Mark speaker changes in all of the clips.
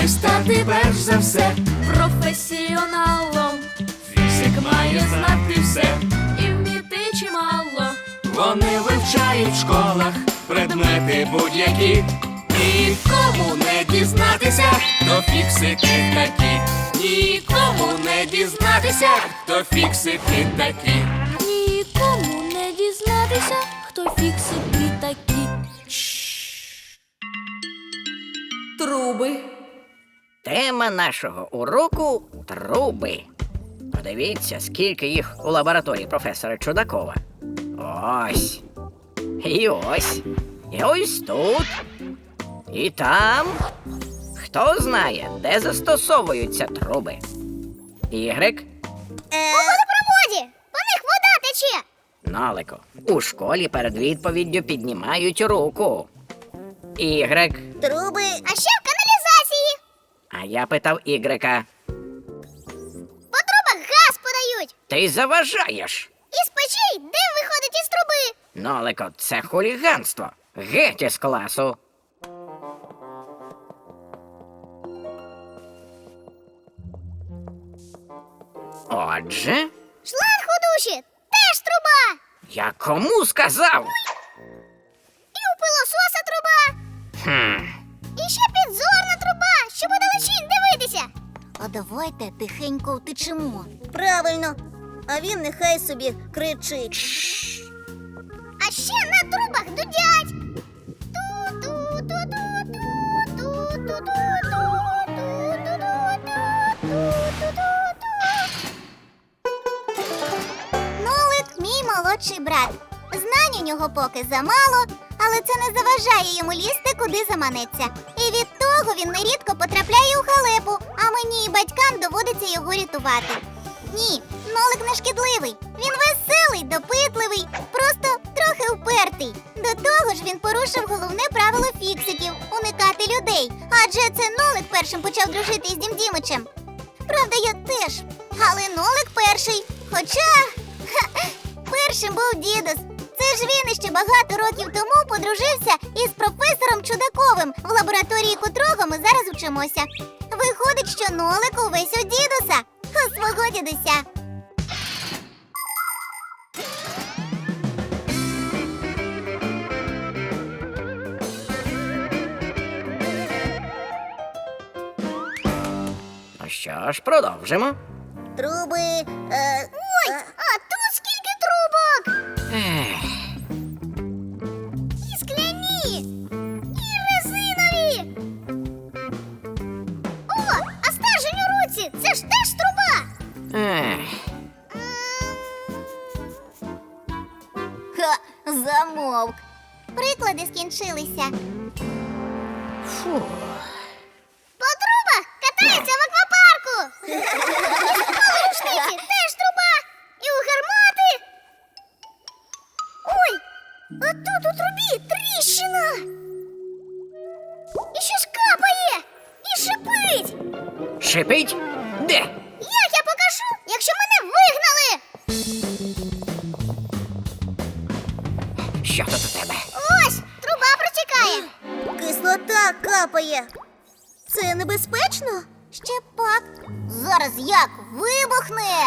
Speaker 1: має стати перш за все
Speaker 2: професіоналом.
Speaker 1: Фізик має знати все.
Speaker 2: І вміти чимало.
Speaker 1: Вони вивчають в школах предмети будь-які. Нікому не дізнатися, хто фіксики такі. Нікому не дізнатися, хто фіксики такі.
Speaker 2: Нікому не дізнатися, хто фіксики такі. Труби.
Speaker 3: Тема нашого уроку – труби. Подивіться, скільки їх у лабораторії професора Чудакова. Ось. І ось. І ось тут. І там. Хто знає, де застосовуються труби? Ігрик?
Speaker 4: У водопроводі! По них вода тече!
Speaker 3: Нолику. У школі перед відповіддю піднімають руку. Ігрик.
Speaker 4: Труби, а ще в каналізації!
Speaker 3: А я питав Ігрика.
Speaker 4: По трубах газ подають!
Speaker 3: Ти заважаєш.
Speaker 4: Із печей дим виходить із труби!
Speaker 3: Нолико, це хуліганство. Геть із класу. Отже,
Speaker 4: Шланг у душі теж труба!
Speaker 3: я кому сказав?
Speaker 4: І у пилососа труба! І ще підзорна труба, щоб удалечінь дивитися! А давайте тихенько втечемо. Правильно, а він нехай собі кричить. А ще на трубах дудять. Нолик мій молодший брат. Знань у нього поки замало, але це не заважає йому лізти, куди заманеться. І від того він нерідко потрапляє у халепу, а мені і батькам доводиться його рятувати. Ні, Нолик не шкідливий. Він веселий, допитливий, просто трохи упертий. До того ж він порушив головне правило фіксиків – уникати людей. Адже це Нолик першим почав дружити із Дім Дімичем. Правда, я теж. Але Нолик перший. Хоча першим був дідус. Це ж він іще багато років тому подружився із професором Чудаковим, в лабораторії котрого ми зараз вчимося. Виходить, що Нолик увесь у дідуса, у свого дідуся.
Speaker 3: Ну що ж, продовжимо.
Speaker 4: Труби. Ой, а тут скільки трубок!
Speaker 3: Ех,
Speaker 4: І скляні, і резинові. О, а стержень у руці, це ж теж труба.
Speaker 3: ех.
Speaker 4: Ха, замовк. Приклади скінчилися.
Speaker 3: Фу.
Speaker 4: По трубах катаються в аквапарку. У рушниці теж труба. І у гармати. Ой, а тут у трубі тріщина. І щось капає. І шипить.
Speaker 3: Шипить? Де?
Speaker 4: Як я покажу, якщо мене вигнали?
Speaker 3: Що тут у тебе?
Speaker 4: Ось, труба протікає. Кислота капає. Це небезпечно? Ще пак. Зараз як вибухне.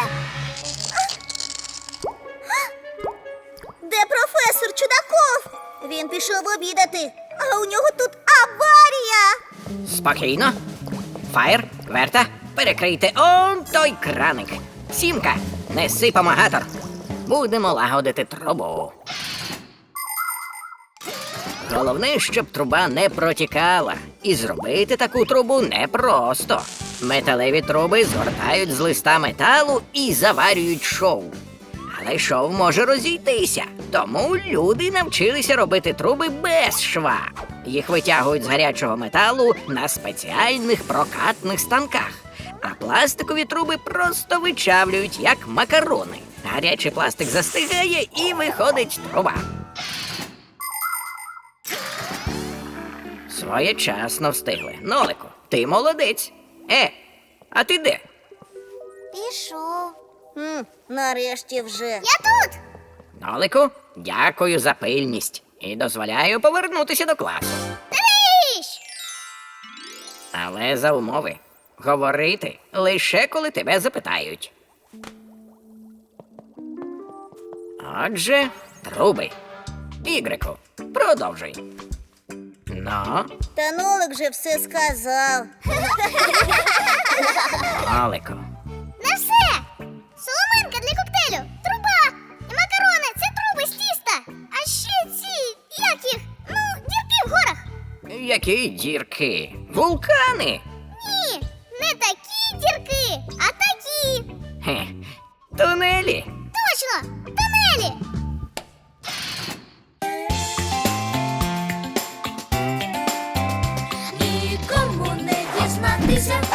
Speaker 4: Де професор Чудаков? Він пішов обідати, а у нього тут аварія.
Speaker 3: Спокійно. Фаєр, Верта, перекрийте он той краник. Сімка, неси помагатор. Будемо лагодити трубу. Головне, щоб труба не протікала. І зробити таку трубу непросто. Металеві труби згортають з листа металу і заварюють шов. Але шов може розійтися, тому люди навчилися робити труби без шва. Їх витягують з гарячого металу на спеціальних прокатних станках. А пластикові труби просто вичавлюють, як макарони. Гарячий пластик застигає і виходить труба. Своєчасно встигли. Нолику, ти молодець. А ти де?
Speaker 4: Пішов. Нарешті вже. Я тут.
Speaker 3: Нолику, дякую за пильність. І дозволяю повернутися до класу.
Speaker 4: Тріщ!
Speaker 3: Але за умови говорити лише коли тебе запитають. Отже, труби. Ігрику, продовжуй. Ну,
Speaker 4: Та Нолик же все сказав.
Speaker 3: Нолику.
Speaker 4: На все! Соломинка для коктейлю, труба і макарони це труби з тіста. А ще ці, як їх? Ну, дірки в горах.
Speaker 3: Які дірки? Вулкани?
Speaker 4: Ні, не такі дірки, а такі.
Speaker 3: Хе. Тунелі?
Speaker 4: Точно, тунелі.
Speaker 2: Нікому не дізнатися,